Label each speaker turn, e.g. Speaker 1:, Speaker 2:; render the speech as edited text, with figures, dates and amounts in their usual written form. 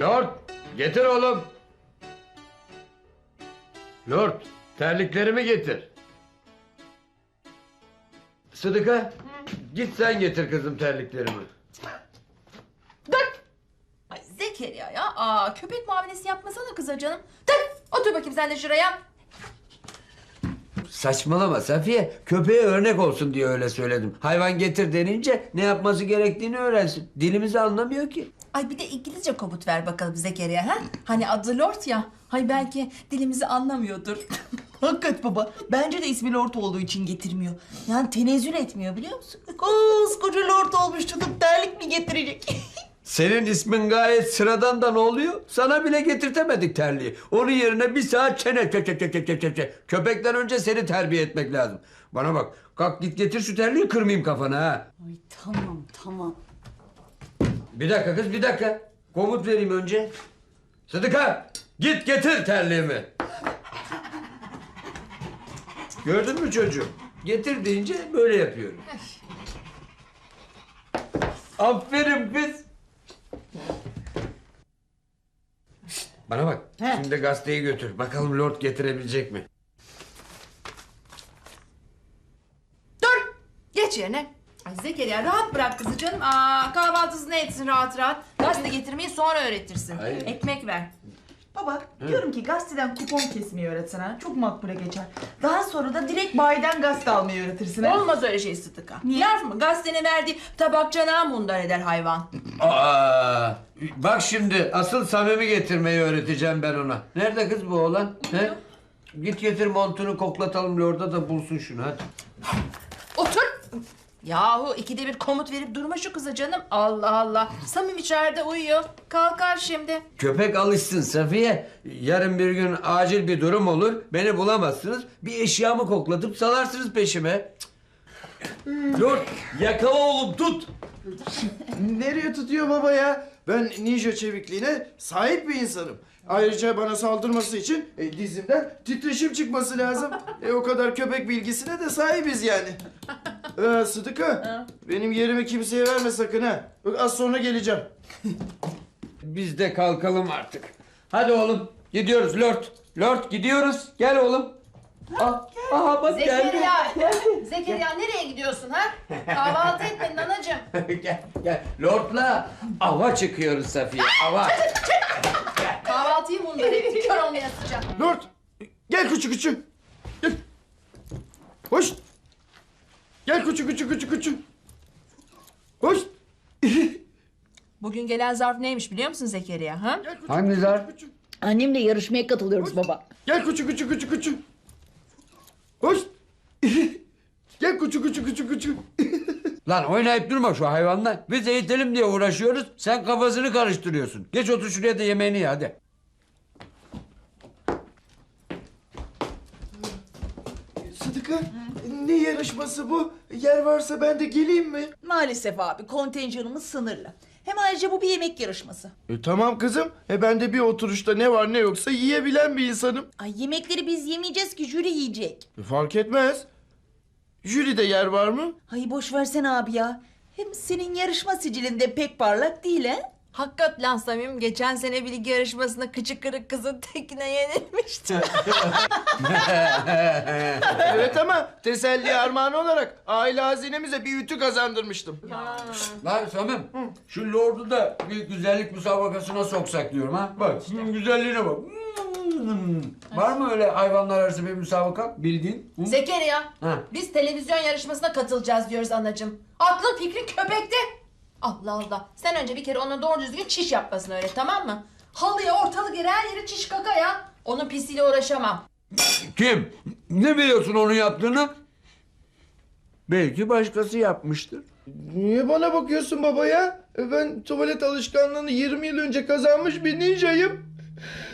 Speaker 1: Lord, getir oğlum. Lord, terliklerimi getir. Sıdıka, git sen getir kızım terliklerimi.
Speaker 2: Dur! Ay Zekeriya ya. Köpek muamelesi yapmasana kıza canım. Dur! Otur bakayım sen de şuraya.
Speaker 1: Saçmalama Safiye. Köpeğe örnek olsun diye öyle söyledim. Hayvan getir denince ne yapması gerektiğini öğrensin. Dilimizi anlamıyor ki.
Speaker 2: Ay bir de İngilizce komut ver bakalım Zekeriya ha? Hani adı Lord ya. Hay belki dilimizi anlamıyordur.
Speaker 3: Hakikat baba. Bence de ismi Lord olduğu için getirmiyor. Yani tenezzül etmiyor biliyor musun? Koskoca Lord olmuş tutup terlik mi getirecek?
Speaker 1: Senin ismin gayet sıradan da ne oluyor? Sana bile getirtemedik terliği. Onun yerine bir saat çene. Köpekten önce seni terbiye etmek lazım. Bana bak. Kalk git getir şu terliği, kırmayayım kafana ha.
Speaker 3: Ay tamam.
Speaker 1: Bir dakika kız, bir dakika. Komut vereyim önce. Sıdıka, git getir terliğimi. Gördün mü çocuğum? Getir deyince böyle yapıyorum. Aferin kız. Şişt, bana bak.
Speaker 3: He.
Speaker 1: Şimdi gazeteyi götür. Bakalım Lord getirebilecek mi?
Speaker 2: Dur! Geç yerine. Ay Zekeriya rahat bırak kızı canım. Kahvaltısını etsin rahat rahat. Gazete getirmeyi sonra öğretirsin.
Speaker 1: Hayır.
Speaker 2: Ekmek ver.
Speaker 3: Baba diyorum ki gazeteden kupon kesmeyi öğretsen ha. Çok makbule geçer. Daha sonra da direkt bayiden gazete almayı öğretirsin ha.
Speaker 2: Olmaz öyle şey Sıdıka.
Speaker 3: Niye?
Speaker 2: Laf mı? Gazetenin verdiği tabak canağı mundar eder hayvan.
Speaker 1: Bak şimdi asıl Samim'i getirmeyi öğreteceğim ben ona. Nerede kız bu oğlan? He? Git getir montunu, koklatalım Lord'a da bulsun şunu hadi.
Speaker 2: Otur. Yahu ikide bir komut verip durma şu kıza canım. Allah Allah. Samim içeride uyuyor. Kalkar şimdi.
Speaker 1: Köpek alışsın Safiye. Yarın bir gün acil bir durum olur. Beni bulamazsınız. Bir eşyamı koklatıp salarsınız peşime. Lord yakala oğlum, tut.
Speaker 4: Nereye tutuyor baba ya? Ben ninja çevikliğine sahip bir insanım. Ayrıca bana saldırması için dizimden titreşim çıkması lazım. O kadar köpek bilgisine de sahibiz yani. Sıdıka, benim yerimi kimseye verme sakın ha. Bak az sonra geleceğim.
Speaker 1: Biz de kalkalım artık. Hadi oğlum gidiyoruz Lord. Lord gidiyoruz. Gel oğlum. Aha bak geldi.
Speaker 2: Zekeriya nereye gidiyorsun ha? Kahvaltı etmedin anacığım.
Speaker 1: Gel. Lord'la ava çıkıyoruz Safiye. Ava.
Speaker 2: Kahvaltıyı mundar etti. Kör olmaya sıcak.
Speaker 4: Lord, gel küçük. Gel. Hoş. Gel küçük. Hoş.
Speaker 2: Bugün gelen zarf neymiş biliyor musun Zekeriya ha?
Speaker 4: Gel küçük.
Speaker 1: Hangi zarf?
Speaker 4: Küçük.
Speaker 3: Annemle yarışmaya katılıyoruz baba.
Speaker 4: Gel küçük. Hoş. Gel küçük.
Speaker 1: Lan oynayıp durma şu hayvanla. Biz eğitelim diye uğraşıyoruz. Sen kafasını karıştırıyorsun. Geç otur şuraya da yemeğini ye hadi.
Speaker 4: Sıdıka, ne yarışması bu? Yer varsa ben de geleyim mi?
Speaker 3: Maalesef abi kontenjanımız sınırlı. Hem ayrıca bu bir yemek yarışması.
Speaker 4: Tamam kızım. Ben de bir oturuşta ne var ne yoksa yiyebilen bir insanım.
Speaker 3: Ay yemekleri biz yemeyeceğiz ki jüri yiyecek.
Speaker 4: Fark etmez. Jüride yer var mı?
Speaker 3: Ay boş versene abi ya. Hem senin yarışma sicilinde pek parlak değil he?
Speaker 2: Hakikat lan Samim geçen sene bilgi yarışmasında kıçı kırık kızın tekine yenilmişti.
Speaker 4: Evet ama teselli armağanı olarak aile hazinemize bir ütü kazandırmıştım.
Speaker 1: Lan Samim, şu Lord'u da bir güzellik müsabakasına soksak diyorum ha. Bak, şunun güzelliğine bak. Var mı öyle hayvanlar arası bir müsabaka bildiğin? Hı?
Speaker 2: Zekeriya
Speaker 1: Ha.
Speaker 2: biz televizyon yarışmasına katılacağız diyoruz anacığım. Aklın fikrin köpekte. Allah Allah. Sen önce bir kere ona doğru düzgün çiş yapmasını öğret tamam mı? Halıya ortalık yere her yere çiş kaka ya. Onun pisiyle uğraşamam.
Speaker 1: Kim? Ne biliyorsun onun yaptığını? Belki başkası yapmıştır.
Speaker 4: Niye bana bakıyorsun baba ya? Ben tuvalet alışkanlığını 20 yıl önce kazanmış bir ninjayım.